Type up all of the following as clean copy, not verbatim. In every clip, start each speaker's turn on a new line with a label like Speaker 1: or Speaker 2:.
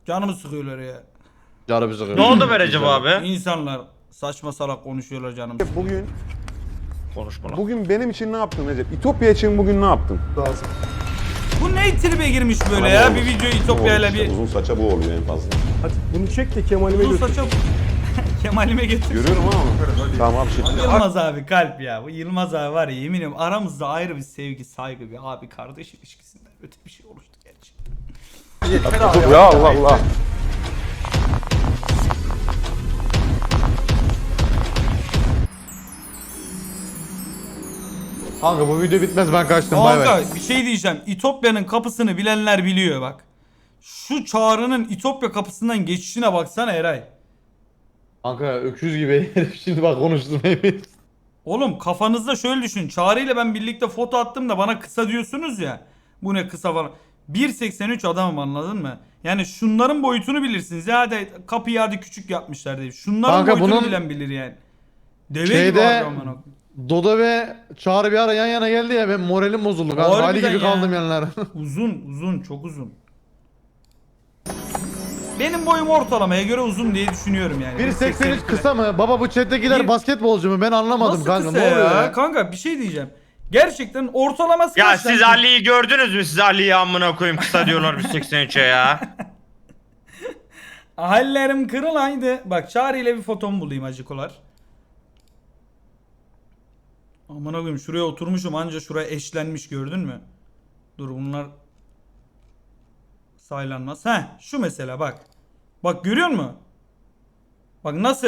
Speaker 1: Canımı sıkıyorlar ya.
Speaker 2: Canı bizi
Speaker 3: Ne oldu be Recep abi?
Speaker 1: İnsanlar saçma salak konuşuyorlar canım.
Speaker 4: Bugün benim için ne yaptın Recep? İtopya için bugün ne yaptın?
Speaker 1: Bu ne tribe girmiş böyle ya? Bir video İtopya'yla bir
Speaker 4: Uzun saça bu oluyor en fazla.
Speaker 5: Hadi bunu çek de Kemal'ime
Speaker 1: uzun
Speaker 5: götür.
Speaker 1: saça Kemal'ime getir.
Speaker 4: Görüyorum ama. Tamam abi şimdi.
Speaker 1: Yılmaz abi kalp ya. Bu Yılmaz abi var ya, eminim aramızda ayrı bir sevgi, saygı, bir abi kardeş ilişkisinden öte bir şey oluştu gerçekten.
Speaker 4: Ya Allah Allah.
Speaker 2: Kanka bu video bitmez, ben kaçtım, bay bay.
Speaker 1: Kanka bir şey diyeceğim. İtopya'nın kapısını bilenler biliyor bak. Şu Çağrı'nın İtopya kapısından geçişine baksana Eray.
Speaker 2: Kanka öküz gibi herif şimdi bak konuştum emin.
Speaker 1: Oğlum kafanızda şöyle düşün. Çağrı ile ben birlikte foto attım da bana kısa diyorsunuz ya. Bu ne kısa falan. 1.83 adamım, anladın mı? Yani şunların boyutunu bilirsiniz. Ya hadi kapıyı hadi küçük yapmışlar diye. Şunların
Speaker 2: Kanka
Speaker 1: boyutunu
Speaker 2: bunun
Speaker 1: bilen bilir yani. Deve
Speaker 2: şeyde-
Speaker 1: gibi abi aman okuyayım.
Speaker 2: Dodo ve Çağrı bir ara yan yana geldi ya, ben moralim bozuldu kanka. Ali
Speaker 1: Harbiden
Speaker 2: gibi
Speaker 1: ya.
Speaker 2: kaldım yanlara.
Speaker 1: Uzun çok uzun. Benim boyum ortalamaya göre uzun diye düşünüyorum yani.
Speaker 2: 1.83 kısa mı? Baba bu chat'tekiler
Speaker 1: Bir-
Speaker 2: basketbolcu mu? Ben anlamadım
Speaker 1: Nasıl
Speaker 2: kanka.
Speaker 1: kısa
Speaker 2: Ne oluyor ya?
Speaker 1: Kanka bir şey diyeceğim. Gerçekten ortalaması
Speaker 3: Ya
Speaker 1: kaç
Speaker 3: siz
Speaker 1: lan?
Speaker 3: Ali'yi gördünüz mü? Siz Ali'yi amına koyayım kısa diyorlar 1.83'e ya.
Speaker 1: Hallerim kırılaydı. Bak Çağrı ile bir fotomu bulayım acıkolar. Aman koyayım, şuraya oturmuşum anca şuraya eşlenmiş, gördün mü? Dur bunlar saylanmaz. Heh şu mesela bak. Bak görüyor musun? Bak nasıl?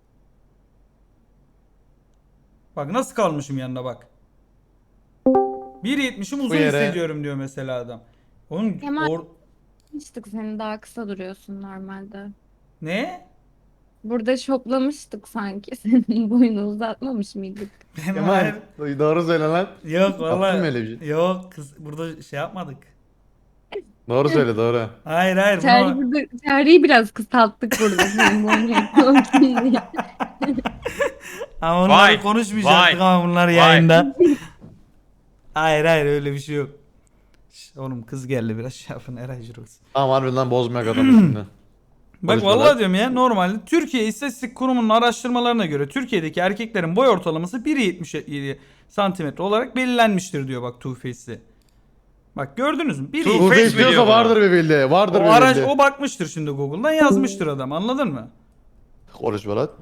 Speaker 1: Bak nasıl kalmışım yanına bak. 1.70'im uzun
Speaker 2: yere-
Speaker 1: hissediyorum diyor mesela adam. Onun
Speaker 6: Kemal- Şoplamıştık seni, daha kısa duruyorsun normalde.
Speaker 1: ne?
Speaker 6: Burada şoplamıştık sanki. Senin boyunu uzatmamış mıydık?
Speaker 2: Kemal doğru söyle lan.
Speaker 1: Yok
Speaker 2: Yaptın mı
Speaker 1: vallahi.
Speaker 2: öyle bir şey?
Speaker 1: Yok kız burada şey yapmadık.
Speaker 2: Doğru söyle doğru.
Speaker 1: Hayır
Speaker 6: Çağrı'yı biraz kısalttık burada senin boyunu yakalamak diye.
Speaker 1: Ama onları
Speaker 3: Vay,
Speaker 1: konuşmayacaktık
Speaker 3: vay,
Speaker 1: ama bunlar
Speaker 3: vay.
Speaker 1: yayında. Hayır öyle bir şey yok. Şş, oğlum kız geldi, biraz şey yapın Eray Jirox.
Speaker 2: Tamam harbiden bozmayak adamı şimdi.
Speaker 1: Bak
Speaker 2: Konuşmalar.
Speaker 1: vallahi diyorum ya, normalde Türkiye İstatistik Kurumu'nun araştırmalarına göre Türkiye'deki erkeklerin boy ortalaması 1.77 santimetre olarak belirlenmiştir diyor bak Two Face'li. Bak gördünüz mü?
Speaker 3: Two
Speaker 1: 1.77.
Speaker 2: Bu
Speaker 3: Face mi
Speaker 2: istiyorsa
Speaker 3: diyor buna?
Speaker 2: vardır bir bildiği. Vardır
Speaker 1: O
Speaker 2: bir
Speaker 1: araç
Speaker 2: bildiği.
Speaker 1: o bakmıştır şimdi Google'dan, yazmıştır adam, anladın mı?
Speaker 2: Konuşma lan.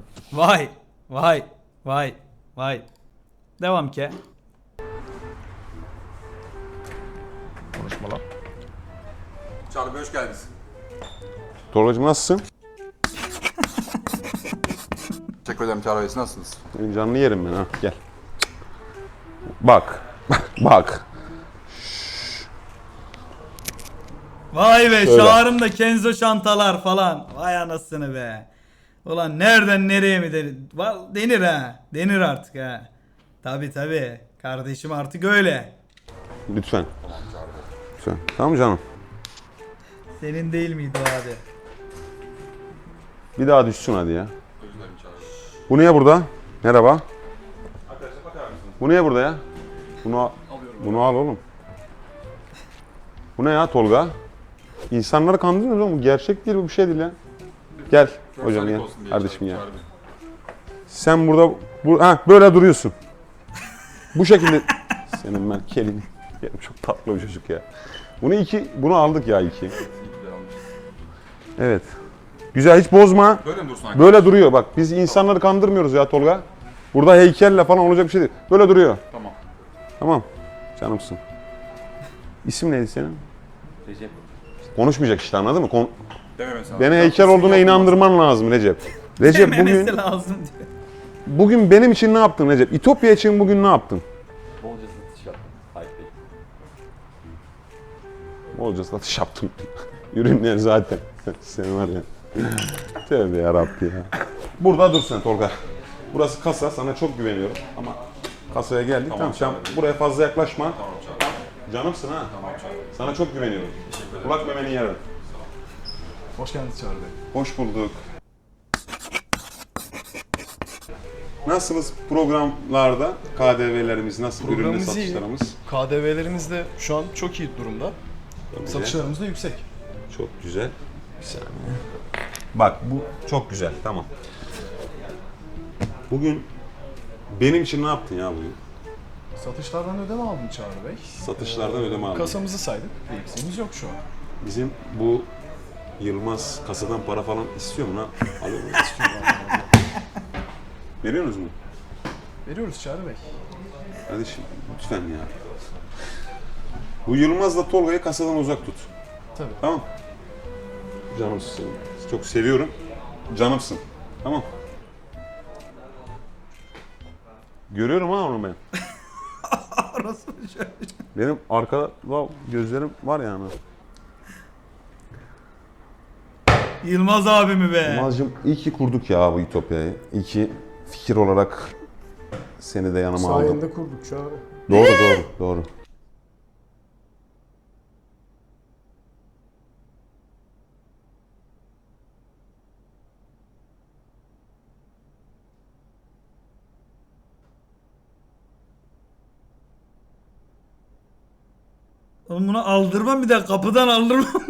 Speaker 1: Vay. Devam ki.
Speaker 2: Konuşma lan.
Speaker 7: Çağrı Bey hoş geldiniz.
Speaker 4: Tolgacığım nasılsın?
Speaker 7: Teşekkür ederim Çağrı Bey, siz nasılsınız?
Speaker 4: Senin canını yerim ben ha. Gel. Bak. Bak.
Speaker 1: Vay be,
Speaker 4: Şöyle.
Speaker 1: Çağrı'm da Kenzo şantalar falan. Vay anasını be. Ulan nereden nereye mi denir? Denir ha. Denir artık ha. Tabi. Kardeşim artık öyle.
Speaker 4: Lütfen. Lütfen. Tamam canım.
Speaker 1: Senin değil miydi o abi?
Speaker 4: Bir daha düşsün hadi ya. Bu niye burada? Merhaba. Bu niye burada ya? Bunu al oğlum. Bu ne ya Tolga? İnsanları kandırmıyoruz oğlum. Bu gerçek değil, bu bir şey değil ya. Gel hocam ya. Kardeşim ya. Sen burada böyle duruyorsun. Bu şekilde senin ben kelini. Çok tatlı bir çocuk ya. Bunu aldık ya iki. Evet. Güzel, hiç bozma.
Speaker 7: Böyle mi dursun
Speaker 4: Böyle duruyor bak. Biz insanları kandırmıyoruz ya Tolga. Burada heykelle falan olacak bir şey değil. Böyle duruyor.
Speaker 7: Tamam.
Speaker 4: Tamam. Canımsın. İsim neydi senin? Recep. Konuşmayacak işte, anladın mı?
Speaker 7: Dememesi lazım.
Speaker 4: Beni heykel olduğuna inandırman lazım Recep. Recep
Speaker 1: Dememesi lazım diyor.
Speaker 4: bugün benim için ne yaptın Recep? İtopya için bugün ne yaptın?
Speaker 8: Bolca satış yaptım. Hype Bey.
Speaker 4: Bolca satış yaptım. Ürünler zaten. Sen var ya. Tövbe yarabbi ya. Burada dur sen Tolga. Burası kasa, sana çok güveniyorum ama kasaya geldik. Tamam, sen buraya fazla yaklaşma.
Speaker 7: Tamam Çağrı Bey.
Speaker 4: Canımsın ha.
Speaker 7: Tamam Çağrı Bey.
Speaker 4: Sana çok güveniyorum. Kulak memeni yerim.
Speaker 7: Hoş geldiniz Çağrı Bey.
Speaker 4: Hoş bulduk. Nasılsınız programlarda? KDV'lerimiz nasıl? Ürünle
Speaker 9: Programımız iyi.
Speaker 4: satışlarımız?
Speaker 9: KDV'lerimiz de şu an çok iyi durumda.
Speaker 4: Çok güzel.
Speaker 9: Satışlarımız da yüksek.
Speaker 4: Çok güzel. Bir saniye. Bak bu çok güzel. Tamam. Bugün benim için ne yaptın ya bugün?
Speaker 7: Satışlardan ödeme aldım Çağrı Bey.
Speaker 4: Satışlardan ödeme aldın.
Speaker 7: Kasamızı saydık. Bir eksiğimiz yok şu an.
Speaker 4: Bizim bu Yılmaz kasadan para falan istiyor mu lan? Alıyor mu? Veriyorsunuz mu?
Speaker 7: Veriyoruz Çağrı Bey.
Speaker 4: Kardeşim lütfen ya. Bu Yılmaz'la Tolga'yı kasadan uzak tut.
Speaker 7: Tabii.
Speaker 4: Tamam. Canımsın senin. Çok seviyorum. Canımsın. Tamam. Görüyorum ha onu ben. Benim arkada gözlerim var yani.
Speaker 1: Yılmaz abimi be.
Speaker 4: Yılmaz'cığım iyi ki kurduk ya bu Ütopya'yı. İyi ki fikir olarak seni de yanıma aldım.
Speaker 5: Sayende kurduk Çağrı.
Speaker 4: Doğru.
Speaker 1: Oğlum bunu aldırmam, bir de kapıdan aldırmam.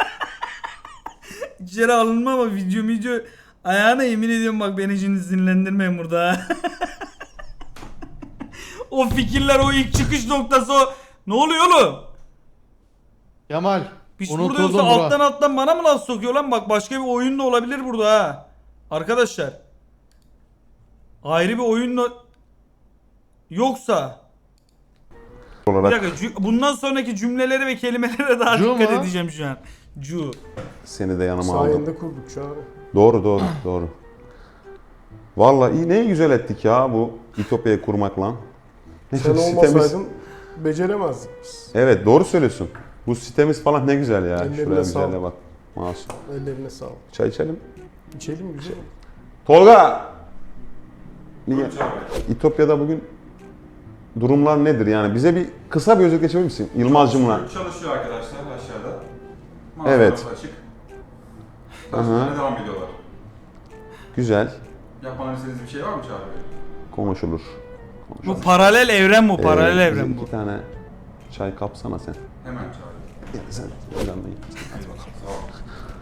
Speaker 1: İçeri alınma ama video ayağına yemin ediyorum, bak beni şimdi sinirlendirmeyin burada ha. O fikirler, o ilk çıkış noktası, o ne oluyor oğlum?
Speaker 2: Kemal.
Speaker 1: Piç burada
Speaker 2: Unutuldum
Speaker 1: yoksa
Speaker 2: bura.
Speaker 1: alttan bana mı laf sokuyor lan? Bak başka bir oyun da olabilir burada ha. Arkadaşlar. Ayrı bir oyun da yoksa. Bir
Speaker 4: Olarak
Speaker 1: dakika, bundan sonraki cümlelere ve kelimelere daha
Speaker 2: Cu
Speaker 1: dikkat
Speaker 2: mu?
Speaker 1: edeceğim şu an. Cu.
Speaker 4: seni de yanıma aldım.
Speaker 5: Sayende kurduk Çağrı.
Speaker 4: Doğru. Vallahi iyi, ne güzel ettik ya bu Ütopya'yı kurmakla.
Speaker 5: Sen olmasaydın beceremezdik biz.
Speaker 4: Evet doğru söylüyorsun. Bu sitemiz falan ne güzel ya.
Speaker 5: Ellerine
Speaker 4: Şuraya
Speaker 5: sağlık.
Speaker 4: güzelle bak. Masum.
Speaker 5: Ellerine sağlık.
Speaker 4: Çay içelim.
Speaker 5: İçelim güzel.
Speaker 4: Tolga! Niye? İtopya'da bugün durumlar nedir yani? Bize bir kısa bir özet geçebilir misin? Yılmaz'cımla.
Speaker 7: Çalışıyor arkadaşlar aşağıda.
Speaker 4: Evet.
Speaker 7: Mağazalar açık.
Speaker 4: Aha.
Speaker 7: Çalışmalarına devam ediyorlar.
Speaker 4: Güzel.
Speaker 7: Yapmamı istediğiniz bir şey var mı Çağrı Bey?
Speaker 4: Konuşulur.
Speaker 1: Bu paralel evren bu, paralel
Speaker 4: Bize
Speaker 1: evren bu.
Speaker 4: 2 tane çay kapsana sen.
Speaker 7: Hemen Çağrı Bey.
Speaker 4: Sen öğrenmeyin.
Speaker 7: Hadi bakalım. Sağ olun.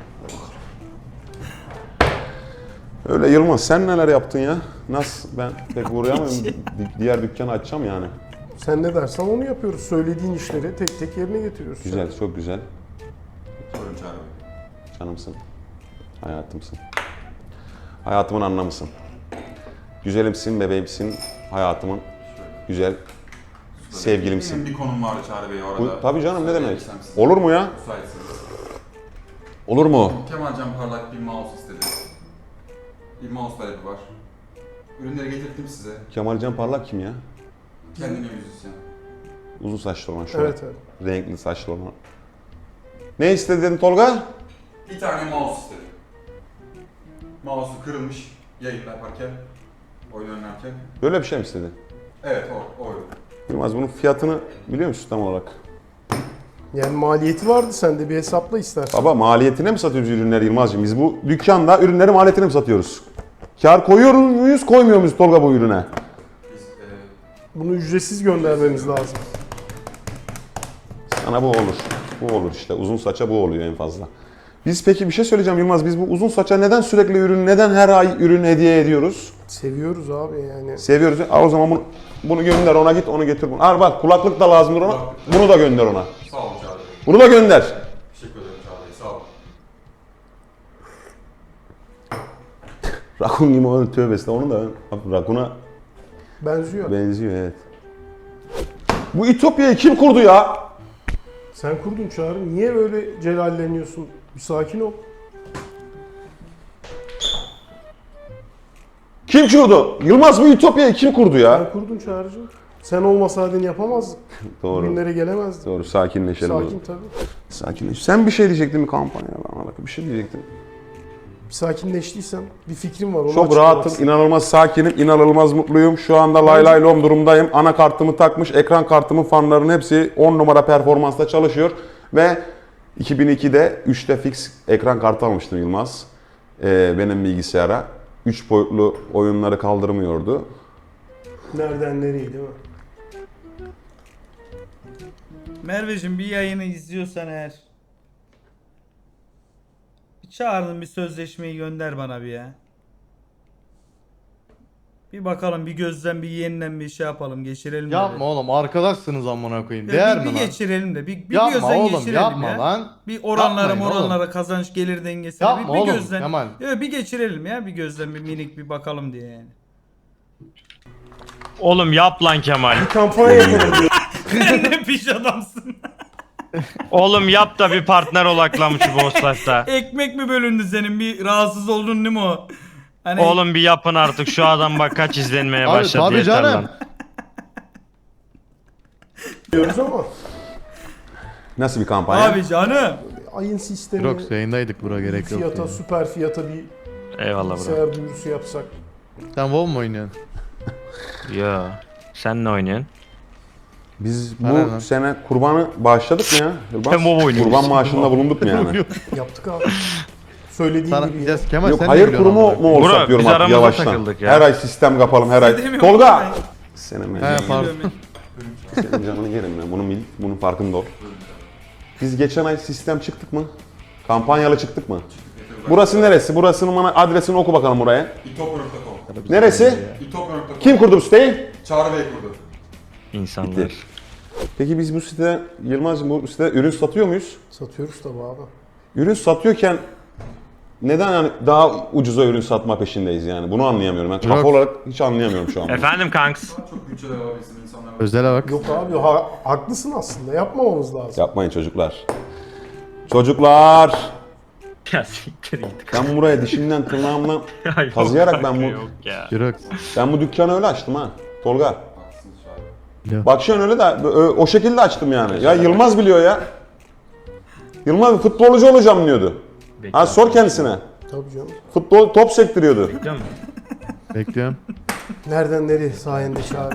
Speaker 4: Öyle Yılmaz, sen neler yaptın ya? Nasıl? Ben pek uğrayamıyorum. Diğer dükkanı açacağım yani.
Speaker 5: Sen ne dersen onu yapıyoruz. Söylediğin işleri tek tek yerine getiriyoruz.
Speaker 4: Güzel, çok güzel.
Speaker 7: Buyurun Çağrı Bey.
Speaker 4: Canımsın. Hayatımsın. Hayatımın anlamısın. Güzelimsin, bebeğimsin. Hayatımın güzel sevgilimsin.
Speaker 7: Benim bir konum vardı Çağrı Bey orada.
Speaker 4: Bu, tabii canım, ne demek?
Speaker 7: Söyleyebilirsem size.
Speaker 4: Olur mu ya?
Speaker 7: Müsaitseniz.
Speaker 4: Olur mu?
Speaker 7: Kemalcan Parlak bir mouse istedi. Bir mouse talebi var. Ürünleri getirdim size.
Speaker 4: Kemalcan Parlak kim ya?
Speaker 7: Kendine müzisyen.
Speaker 4: Uzun saçlı olan şöyle.
Speaker 5: Evet.
Speaker 4: Renkli saçlı olan. Ne istedin Tolga?
Speaker 7: Bir tane mouse istedi. Mouse'u kırılmış yayın yaparken, oyun oynarken.
Speaker 4: Böyle bir şey mi istedin?
Speaker 7: Evet o ürün.
Speaker 4: Yılmaz, bunun fiyatını biliyor musun tam olarak?
Speaker 5: Yani maliyeti vardı, sen de bir hesapla istersen.
Speaker 4: Baba, maliyetine mi satıyoruz ürünleri Yılmaz'cığım? Biz bu dükkanda ürünleri maliyetine mi satıyoruz? Kar koyuyor muyuz, koymuyor muyuz Tolga bu ürüne?
Speaker 7: Biz
Speaker 5: Bunu ücretsiz göndermemiz lazım.
Speaker 4: Sana bu olur. Bu olur işte. Uzun saça bu oluyor en fazla. Biz peki bir şey söyleyeceğim Yılmaz. Biz bu uzun saça neden sürekli ürün, neden her ay ürün hediye ediyoruz?
Speaker 5: Seviyoruz abi yani.
Speaker 4: Seviyoruz. Al o zaman bunu gönder ona, git onu getir bunu. Al bak, kulaklık da lazımdır ona. Bunu da gönder ona.
Speaker 7: sağ olun Çağrı Bey.
Speaker 4: Bunu da gönder.
Speaker 7: Teşekkür ederim Çağrı Bey. Sağ olun.
Speaker 4: Rakun gibi oldu, tövbe estağfurullah. Onu da Rakun'a
Speaker 5: Benziyor.
Speaker 4: benziyor, evet. Bu Ütopya'yı kim kurdu ya?
Speaker 5: Sen kurdun Çağrı. Niye böyle celalleniyorsun? Bir sakin ol.
Speaker 4: Kim kurdu? Yılmaz, bu Ütopya'yı kim kurdu ya?
Speaker 5: Sen kurdun Çağrı'cığım. Sen olmasaydın yapamazdık.
Speaker 4: Doğru.
Speaker 5: Bugünlere gelemezdik.
Speaker 4: Doğru, sakinleşelim. o
Speaker 5: Sakin
Speaker 4: zaman.
Speaker 5: tabii.
Speaker 4: Sakinleş. Sen bir şey diyecektin mi kampanyayla alakalı? Bir şey diyecektin.
Speaker 5: Bir sakinleştiysen bir fikrim var. Onu
Speaker 4: Çok
Speaker 5: açıklamak
Speaker 4: rahatım, inanılmaz sakinim, inanılmaz mutluyum. Şu anda lay lay lom durumdayım. Anakartımı takmış, ekran kartımın fanlarının hepsi 10 numara performansta çalışıyor. Ve 2002'de 3'te fix ekran kartı almıştım Yılmaz. Benim bilgisayara. 3 boyutlu oyunları kaldırmıyordu.
Speaker 5: Nereden nereye değil mi?
Speaker 1: Merveciğim, bir yayını izliyorsan eğer Çağırın bir sözleşmeyi gönder bana bir ya. Bir bakalım bir gözden bir yeniden bir şey yapalım geçirelim de
Speaker 2: Yapma
Speaker 1: bir.
Speaker 2: oğlum arkadaşsınız amına koyayım.
Speaker 1: Ya
Speaker 2: Değer
Speaker 1: bir
Speaker 2: mi lan?
Speaker 1: geçirelim de bir
Speaker 2: Yapma
Speaker 1: gözden
Speaker 2: oğlum
Speaker 1: geçirelim
Speaker 2: yapma
Speaker 1: ya.
Speaker 2: lan.
Speaker 1: Bir oranlara
Speaker 2: Yapmayın
Speaker 1: moranlara kazanç gelir dengesine
Speaker 2: Yapma
Speaker 1: bir
Speaker 2: oğlum,
Speaker 1: gözden.
Speaker 2: Kemal.
Speaker 1: Yok, bir geçirelim ya bir gözden bir minik bir bakalım diye yani.
Speaker 3: Oğlum yap lan Kemal.
Speaker 5: Kampanya yapalım diyor.
Speaker 1: Ne piş adamsın.
Speaker 3: Oğlum yap da bir partner olaklamış bu Boss'ta.
Speaker 1: Ekmek mi bölündü senin bir rahatsız oldun değil mi o? Hani
Speaker 3: Oğlum bir yapın artık şu adam bak kaç izlenmeye
Speaker 2: Abi,
Speaker 3: başladı
Speaker 2: tabii
Speaker 3: yeter
Speaker 2: canım.
Speaker 3: lan.
Speaker 5: diyoruz ama
Speaker 4: Nasıl bir kampanya?
Speaker 1: abi canım.
Speaker 5: ayın sistemi,
Speaker 2: Yok yayındaydık bura gerek yok.
Speaker 5: fiyata,
Speaker 2: yani.
Speaker 5: süper fiyata bir
Speaker 3: Eyvallah bro.
Speaker 5: bilgisayar duyurusu yapsak.
Speaker 2: Sen WoW mu oynuyorsun?
Speaker 3: Yo. Sen ne oynuyorsun?
Speaker 4: Biz
Speaker 2: Bana
Speaker 4: bu
Speaker 2: lan.
Speaker 4: sene kurbanı bağışladık mı ya? Yılmaz?
Speaker 3: Ben bu oynuyorum.
Speaker 4: Kurban maaşında bulunduk mu yani?
Speaker 5: Yaptık abi. Söylediğin
Speaker 2: Sana
Speaker 5: gibi.
Speaker 2: diyeceğiz Kemal
Speaker 4: Yok
Speaker 2: sen
Speaker 4: hayır
Speaker 2: ne biliyorsun
Speaker 4: kurumu
Speaker 2: amına
Speaker 4: mu olsak
Speaker 3: Bro,
Speaker 4: diyorum
Speaker 3: biz
Speaker 4: artık
Speaker 3: aramızda
Speaker 4: yavaştan.
Speaker 3: takıldık ya.
Speaker 4: Her ay sistem kapalım her ay.
Speaker 1: Demiyorum
Speaker 4: Tolga!
Speaker 1: ben.
Speaker 4: Senin
Speaker 2: koyayım? He pardon.
Speaker 4: Senin canını yerim ya. Bunun farkında ol. Biz geçen ay sistem çıktık mı? Kampanyalı çıktık mı? Burası neresi? Burasının bana adresini oku bakalım buraya.
Speaker 7: itop.com.
Speaker 4: Neresi?
Speaker 7: itop.com.
Speaker 4: Kim kurdu bu siteyi?
Speaker 7: Çağrı Bey kurdu.
Speaker 3: İnsanlar.
Speaker 4: Peki biz bu sitede, Yılmaz'cığım bu sitede ürün satıyor muyuz?
Speaker 5: Satıyoruz tabi abi.
Speaker 4: Ürün satıyorken neden yani daha ucuza ürün satma peşindeyiz yani? Bunu anlayamıyorum. Ben kafa
Speaker 2: Yok.
Speaker 4: olarak hiç anlayamıyorum şu an.
Speaker 3: Efendim kanks.
Speaker 7: Çok bütçeler alabilsin insanlar.
Speaker 2: Özele bak.
Speaker 5: Yok abi haklısın aslında yapmamamız lazım.
Speaker 4: Yapmayın çocuklar. Çocuklar!
Speaker 3: Ya siktir git.
Speaker 4: Ben buraya dişimden tırnağımdan
Speaker 3: Ya yok
Speaker 4: kazıyarak
Speaker 3: kanka,
Speaker 4: ben bu
Speaker 3: Yok ya.
Speaker 2: Yürü.
Speaker 4: ben bu dükkanı öyle açtım ha. Tolga.
Speaker 7: Haklısınız Çağrı.
Speaker 2: Yok.
Speaker 4: Bak şu an öyle de o şekilde açtım yani. Ya Yılmaz biliyor ya. Yılmaz futbolcu olacağım diyordu. Ha sor kendisine.
Speaker 5: Tabii canım.
Speaker 4: Futbol top sektiriyordu.
Speaker 3: Biliyor musun?
Speaker 2: Bekliyorum.
Speaker 5: Nereden nereye sayende çağrı.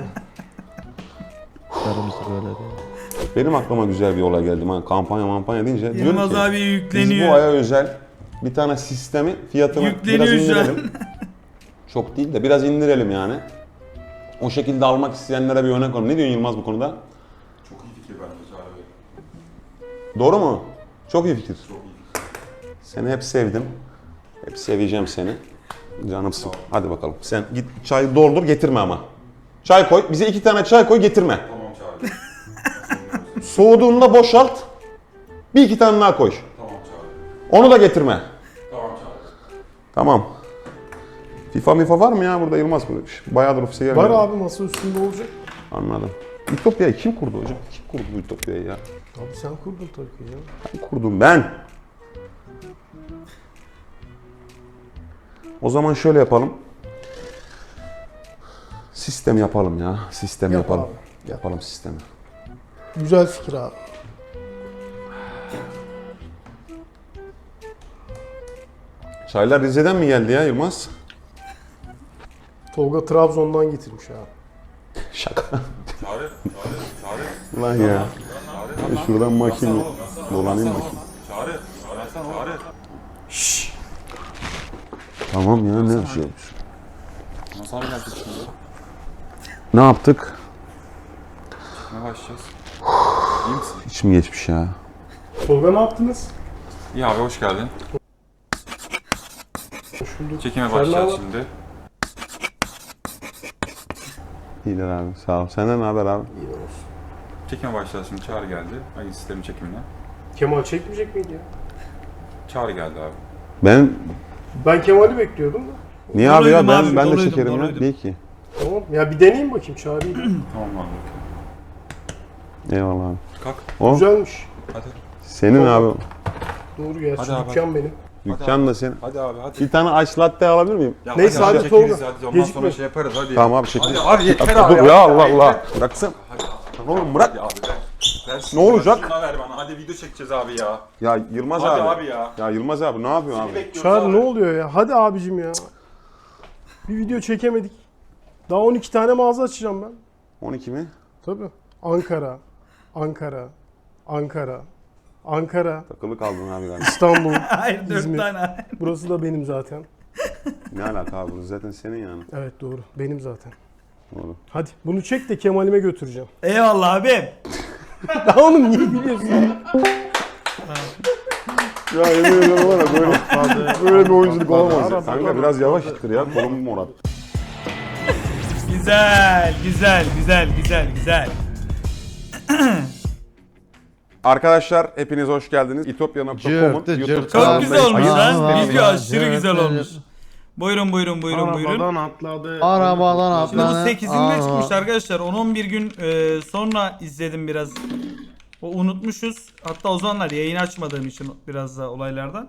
Speaker 2: Sarımsı böyle diyor.
Speaker 4: Benim aklıma güzel bir olay geldi. Ha, kampanya deyince diyorum
Speaker 1: Yılmaz
Speaker 4: ki
Speaker 1: abi
Speaker 4: biz
Speaker 1: yükleniyor.
Speaker 4: bu aya özel bir tane sistemi fiyatını
Speaker 1: Yükleniyor
Speaker 4: biraz
Speaker 1: şu an.
Speaker 4: indirelim. Çok değil de biraz indirelim yani. O şekilde almak isteyenlere bir örnek olun. Ne diyorsun Yılmaz bu konuda?
Speaker 7: Çok iyi fikir bence Çağrı Bey.
Speaker 4: Doğru mu? Çok iyi fikir.
Speaker 7: Çok iyi fikir.
Speaker 4: Seni hep sevdim. Hep seveceğim seni. Canımsın. Hadi bakalım. Sen git çayı doldur getirme ama. Çay koy. Bize 2 tane çay koy getirme.
Speaker 7: Tamam Çağrı Bey.
Speaker 4: Soğuduğunda boşalt. Bir 2 tane daha koy.
Speaker 7: Tamam Çağrı.
Speaker 4: Onu da getirme.
Speaker 7: Tamam Çağrı.
Speaker 4: Tamam. FIFA var mı ya burada Yılmaz? Bayağıdır ofise gelmiyor.
Speaker 5: Var abi masa üstünde olacak.
Speaker 4: Anladım. Ütopya'yı kim kurdu hocam? Kim kurdu bu Ütopya'yı ya?
Speaker 5: Abi sen kurdun tabii ki canım.
Speaker 4: Ben kurdum ben. O zaman şöyle yapalım. Sistem yapalım ya. Sistem
Speaker 5: Yap
Speaker 4: yapalım.
Speaker 5: abi, yap.
Speaker 4: Yapalım sistemi.
Speaker 5: Güzel fikir abi.
Speaker 4: Çaylar Rize'den mi geldi ya Yılmaz?
Speaker 5: Tolga Trabzon'dan getirmiş abi.
Speaker 4: Şaka.
Speaker 7: Çağrı. Çağrı.
Speaker 4: Lan ya. Şuradan bakayım. Dolanayım bakayım.
Speaker 7: Çağrı. Çağrı.
Speaker 4: Tamam ya ne şey olmuş.
Speaker 7: Nasıl abi geldik şimdi?
Speaker 4: Ne yaptık?
Speaker 7: Ne başlayacağız? İyi misin?
Speaker 4: İçim geçmiş ya.
Speaker 5: Tolga ne yaptınız?
Speaker 7: İyi abi hoş geldin.
Speaker 5: Hoş bulduk.
Speaker 7: Çekime
Speaker 5: Sen ne
Speaker 7: başlayacağız
Speaker 5: haber?
Speaker 7: şimdi.
Speaker 4: İyidir abi sağ ol. Senden ne haber abi?
Speaker 5: İyi olsun.
Speaker 7: Çekime başlayacağız şimdi. Çağrı geldi. Ayın sistemi çekimine.
Speaker 5: Kemal çekmeyecek miydi ya?
Speaker 7: Çağrı geldi abi.
Speaker 4: Ben
Speaker 5: Ben Kemal'i bekliyordum da.
Speaker 4: niye abi ya
Speaker 1: Doluydum
Speaker 4: ben
Speaker 1: abi,
Speaker 4: de
Speaker 1: doluydum,
Speaker 4: çekerim ya.
Speaker 1: doluydum.
Speaker 4: Değil ki.
Speaker 5: Tamam. Ya bir deneyeyim bakayım Çağrı'yı.
Speaker 7: Tamam abi.
Speaker 4: Eyvallah abi.
Speaker 7: Kalk.
Speaker 4: O
Speaker 5: Güzelmiş.
Speaker 7: Hadi.
Speaker 4: senin abi.
Speaker 5: Doğru gerçi
Speaker 7: Hadi abi.
Speaker 5: dükkan benim.
Speaker 4: Dükkan da senin.
Speaker 7: Hadi abi hadi.
Speaker 4: Bir tane ice latte alabilir miyim?
Speaker 7: Ya
Speaker 5: Neyse, hadi
Speaker 7: çekeriz,
Speaker 5: Tolga.
Speaker 7: hadi. Ondan
Speaker 5: Gecikme.
Speaker 7: sonra şey yaparız hadi.
Speaker 4: Tamam abi çekin.
Speaker 7: Hadi abi yeter
Speaker 4: Ya,
Speaker 7: abi.
Speaker 4: dur ya Allah Allah. Bıraksın.
Speaker 7: Hadi.
Speaker 4: Oğlum bırak.
Speaker 7: Hadi abi ver. Ver
Speaker 4: Ne olacak?
Speaker 7: Şuna ver bana. Hadi video çekeceğiz abi ya.
Speaker 4: Ya Yılmaz
Speaker 7: Hadi
Speaker 4: abi.
Speaker 7: abi ya.
Speaker 4: Ya Yılmaz abi ne yapıyorsun abi?
Speaker 7: Bekliyoruz
Speaker 5: Çağrı
Speaker 7: abi.
Speaker 5: ne oluyor ya? Hadi abicim ya. Bir video çekemedik. Daha 12 tane mağaza açacağım ben.
Speaker 4: 12 mi?
Speaker 5: Tabii. Ankara, Ankara, Ankara, Ankara,
Speaker 4: Takılı kaldın abi galiba.
Speaker 5: İstanbul,
Speaker 1: Hayır 4
Speaker 5: İzmir.
Speaker 1: tane.
Speaker 5: Burası da benim zaten.
Speaker 4: Ne alaka abi? Burası zaten senin yani.
Speaker 5: Evet doğru. Benim zaten.
Speaker 4: Doğru.
Speaker 5: Hadi bunu çek de Kemal'ime götüreceğim.
Speaker 1: Eyvallah abim.
Speaker 5: Daha oğlum niye biliyorsun?
Speaker 4: Ya yemin ediyorum var ya böyle bir oyunculuk olamaz ya.
Speaker 5: Arabada,
Speaker 4: Kanka biraz yavaş ittir ya. Kolum morat.
Speaker 1: Güzel, güzel, güzel, güzel, güzel.
Speaker 4: Arkadaşlar hepiniz hoş geldiniz. İtopya.com'un
Speaker 8: Cırtı
Speaker 4: YouTube
Speaker 8: cırtı.
Speaker 1: Çok
Speaker 4: kanalındayız.
Speaker 1: güzel olmuş
Speaker 8: Ayıp.
Speaker 1: lan. Video
Speaker 8: Ayıp.
Speaker 1: aşırı güzel olmuş. Buyurun, buyurun, buyurun, buyurun.
Speaker 5: Arabadan atladı.
Speaker 8: Arabadan
Speaker 1: Şimdi bu
Speaker 8: atladı.
Speaker 1: 8'inde çıkmış arkadaşlar. 10-11 gün sonra izledim biraz. O unutmuşuz. Hatta o zamanlar yayın açmadığım için biraz da olaylardan.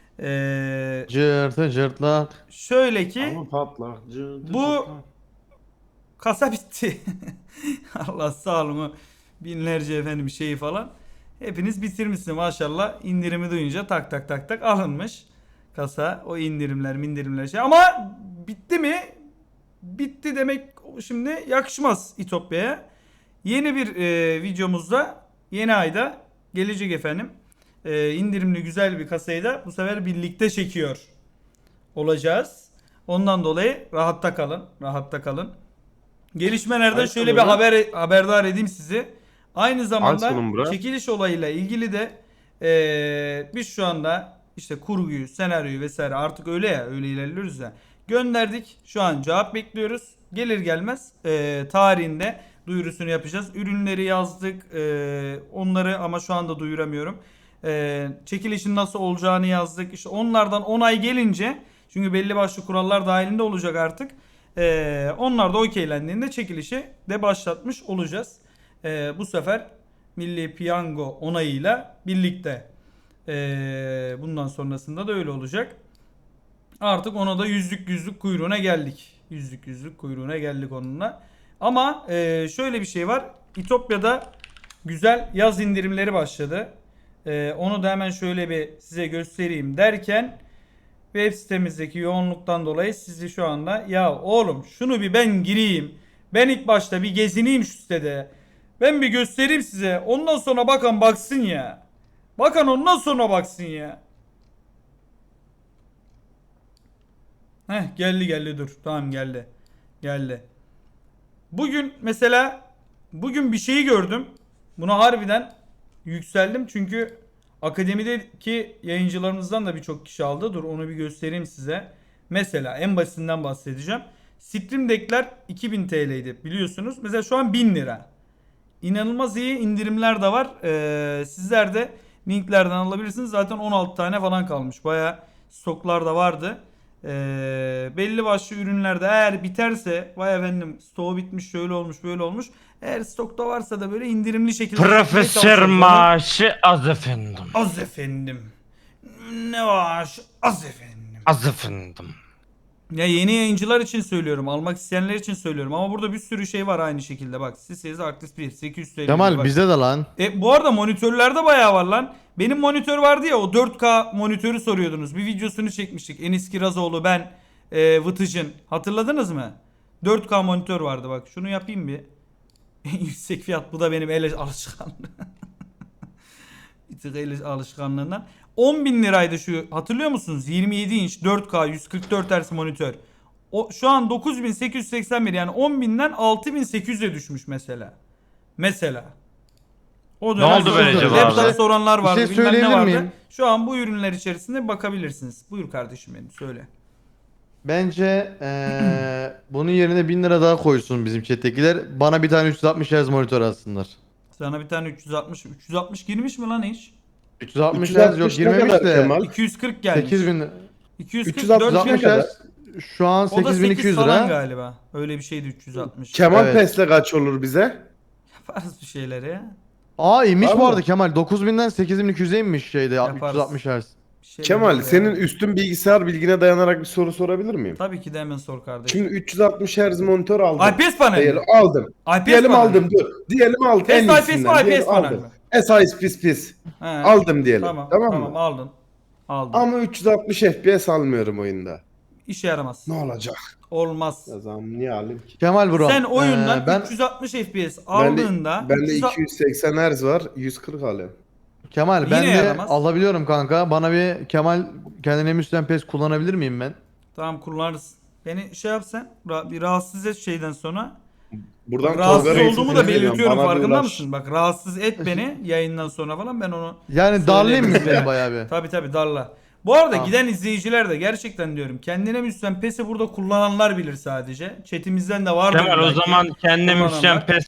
Speaker 8: Cırtı cırtlak.
Speaker 1: Şöyle ki
Speaker 5: Ama patlak.
Speaker 1: Bu- kasa bitti. Allah sağ olun. O binlerce efendim şeyi falan. Hepiniz bitirmişsiniz maşallah. İndirimi duyunca tak tak tak tak alınmış. Kasa o indirimler şey. Ama bitti mi? Bitti demek şimdi yakışmaz İtopya'ya. Yeni bir videomuzda yeni ayda gelecek efendim. İndirimli güzel bir kasayı da bu sefer birlikte çekiyor olacağız. Ondan dolayı rahatta kalın. Rahatta kalın. Gelişmelerden
Speaker 5: Ay,
Speaker 1: şöyle bir
Speaker 5: tamam.
Speaker 1: haberdar edeyim sizi. Aynı zamanda
Speaker 5: sunum bura.
Speaker 1: çekiliş olayıyla ilgili de biz şu anda işte kurguyu, senaryoyu vesaire artık öyle ya, öyle ilerliyoruz ya. Gönderdik. Şu an cevap bekliyoruz. Gelir gelmez tarihinde duyurusunu yapacağız. Ürünleri yazdık. Onları ama şu anda duyuramıyorum. Çekilişin nasıl olacağını yazdık. İşte onlardan onay gelince, çünkü belli başlı kurallar dahilinde olacak artık. Onlar da okeylendiğinde çekilişi de başlatmış olacağız. Bu sefer Milli Piyango onayıyla birlikte. Bundan sonrasında da öyle olacak. Artık ona da yüzlük kuyruğuna geldik. Yüzlük kuyruğuna geldik onunla. Ama şöyle bir şey var. İtopya'da güzel yaz indirimleri başladı. Onu da hemen şöyle bir size göstereyim derken web sitemizdeki yoğunluktan dolayı sizi şu anda ya oğlum şunu bir ben gireyim. Ben ilk başta bir gezineyim şu sitede. Ben bir göstereyim size. Ondan sonra bakan baksın ya. Bakan ondan sonra baksın ya. Heh geldi dur. Tamam geldi. Geldi. Bugün mesela bir şeyi gördüm. Buna harbiden yükseldim çünkü akademideki yayıncılarımızdan da birçok kişi aldı. Dur onu bir göstereyim size. Mesela en basitinden bahsedeceğim. Stream Deck'ler 2000 TL'ydi biliyorsunuz. Mesela şu an 1000 lira. İnanılmaz iyi indirimler de var. Sizler de linklerden alabilirsiniz. Zaten 16 tane falan kalmış. Bayağı stoklar da vardı. Belli başlı ürünlerde eğer biterse vay efendim stoğu bitmiş şöyle olmuş böyle olmuş. Eğer stokta varsa da böyle indirimli şekilde
Speaker 3: Profesör maaşı az efendim.
Speaker 1: az efendim. Ne var? Az efendim.
Speaker 3: Az efendim.
Speaker 1: Ya yeni yayıncılar için söylüyorum. Almak isteyenler için söylüyorum. Ama burada bir sürü şey var aynı şekilde. Bak Sisez Arctis 1 800 TL.
Speaker 8: Kemal
Speaker 1: bak.
Speaker 8: bizde de lan.
Speaker 1: Bu arada monitörlerde bayağı var lan. Benim monitör vardı ya, o 4K monitörü soruyordunuz. Bir videosunu çekmiştik. Enis Kirazoğlu, ben, Vıtıcın. Hatırladınız mı? 4K monitör vardı bak. Şunu yapayım bir. En yüksek fiyat, bu da benim el alışkanlığım. Bir tık el alışkanlığından. 10.000 liraydı şu, hatırlıyor musunuz? 27 inç 4K 144 Hz monitör. O şu an 9.881, yani 10.000'den 6.800'e düşmüş mesela. Mesela. O dönem
Speaker 3: oldu böyle
Speaker 1: sorunlar,
Speaker 3: cevabı?
Speaker 1: laptop soranlar vardı,
Speaker 8: Bir şey
Speaker 1: bilmem ne
Speaker 8: söyleyebilir
Speaker 1: vardı.
Speaker 8: miyim?
Speaker 1: Şu an bu ürünler içerisinde bakabilirsiniz. Buyur kardeşim benim, söyle.
Speaker 8: Bence bunun yerine 1000 lira daha koysun bizim chat'tekiler. Bana bir tane 360 Hz monitör alsınlar.
Speaker 1: Sana bir tane 360 girmiş mi lan hiç?
Speaker 8: 360 Hz
Speaker 2: 360
Speaker 8: yok
Speaker 2: ne
Speaker 8: girmemiş
Speaker 2: kadar
Speaker 8: de.
Speaker 2: Kemal?
Speaker 1: 240 gelmiş.
Speaker 8: 8000
Speaker 1: 240
Speaker 2: 360
Speaker 1: 4
Speaker 2: ne
Speaker 8: 360
Speaker 2: kadar?
Speaker 8: Hz şu an
Speaker 1: O da 8
Speaker 8: 8200
Speaker 1: falan
Speaker 8: lira.
Speaker 1: galiba. Öyle bir şeydi 360.
Speaker 2: Kemal
Speaker 8: Evet.
Speaker 2: Pes'le kaç olur bize?
Speaker 1: Yaparız bir şeyleri ya.
Speaker 8: Aa inmiş
Speaker 2: Var
Speaker 8: bu
Speaker 2: mı?
Speaker 8: arada Kemal. 9000'den 8200'e inmiş şeyde
Speaker 1: Yaparız.
Speaker 8: 360 Hz.
Speaker 1: Bir şeyleri
Speaker 2: Kemal
Speaker 1: yaparız
Speaker 2: senin
Speaker 1: ya.
Speaker 2: üstün bilgisayar bilgine dayanarak bir soru sorabilir miyim?
Speaker 1: Tabii ki de hemen sor kardeşim.
Speaker 2: Şimdi 360 Hz monitör aldım.
Speaker 1: IPS panel.
Speaker 2: Diyelim aldım.
Speaker 1: IPS
Speaker 2: Diyelim
Speaker 1: panel.
Speaker 2: aldım dur. Diyelim aldım.
Speaker 1: Test
Speaker 2: En
Speaker 1: IPS mi
Speaker 2: iyisinden.
Speaker 1: IPS
Speaker 2: Diyelim
Speaker 1: panel
Speaker 2: aldım.
Speaker 1: mi?
Speaker 2: SIS
Speaker 1: He.
Speaker 2: aldım diyelim.
Speaker 1: Tamam,
Speaker 2: Tamam
Speaker 1: tamam
Speaker 2: mı?
Speaker 1: aldın. Aldın.
Speaker 2: Ama 360 FPS almıyorum oyunda.
Speaker 1: İşe yaramaz.
Speaker 2: Ne olacak?
Speaker 1: Olmaz.
Speaker 2: O zaman niye alayım ki?
Speaker 8: Kemal bro.
Speaker 1: Sen oyundan
Speaker 8: ben
Speaker 1: 360 FPS
Speaker 2: Bende,
Speaker 1: aldığında
Speaker 2: bende
Speaker 1: 360
Speaker 2: 280 Hz var. 140 alıyorum.
Speaker 8: Kemal ben
Speaker 1: Yine
Speaker 8: de
Speaker 1: yaramaz.
Speaker 8: alabiliyorum kanka. Bana bir Kemal kendine müsten pes kullanabilir miyim ben?
Speaker 1: Tamam kullanırsın. Beni şey yapsan bir rahatsız et şeyden sonra.
Speaker 2: Buradan
Speaker 1: Rahatsız
Speaker 2: Tolga Reis'in
Speaker 1: olduğumu da
Speaker 2: sesini
Speaker 1: belirtiyorum,
Speaker 2: duyuyorum. Bana
Speaker 1: farkında
Speaker 2: bir ulaş.
Speaker 1: mısın? Bak rahatsız et beni yayından sonra falan, ben onu
Speaker 8: Yani darlayayım mı
Speaker 1: Söyleyebilirim.
Speaker 8: seni bayağı bir?
Speaker 1: tabi darla. Bu arada
Speaker 8: Tamam.
Speaker 1: giden izleyiciler de gerçekten diyorum, kendine müsten PES'i burada kullananlar bilir sadece. Chatimizden de vardır.
Speaker 3: Kemal o
Speaker 1: belki
Speaker 3: zaman kendine
Speaker 1: kullananlar.
Speaker 3: müsyen pes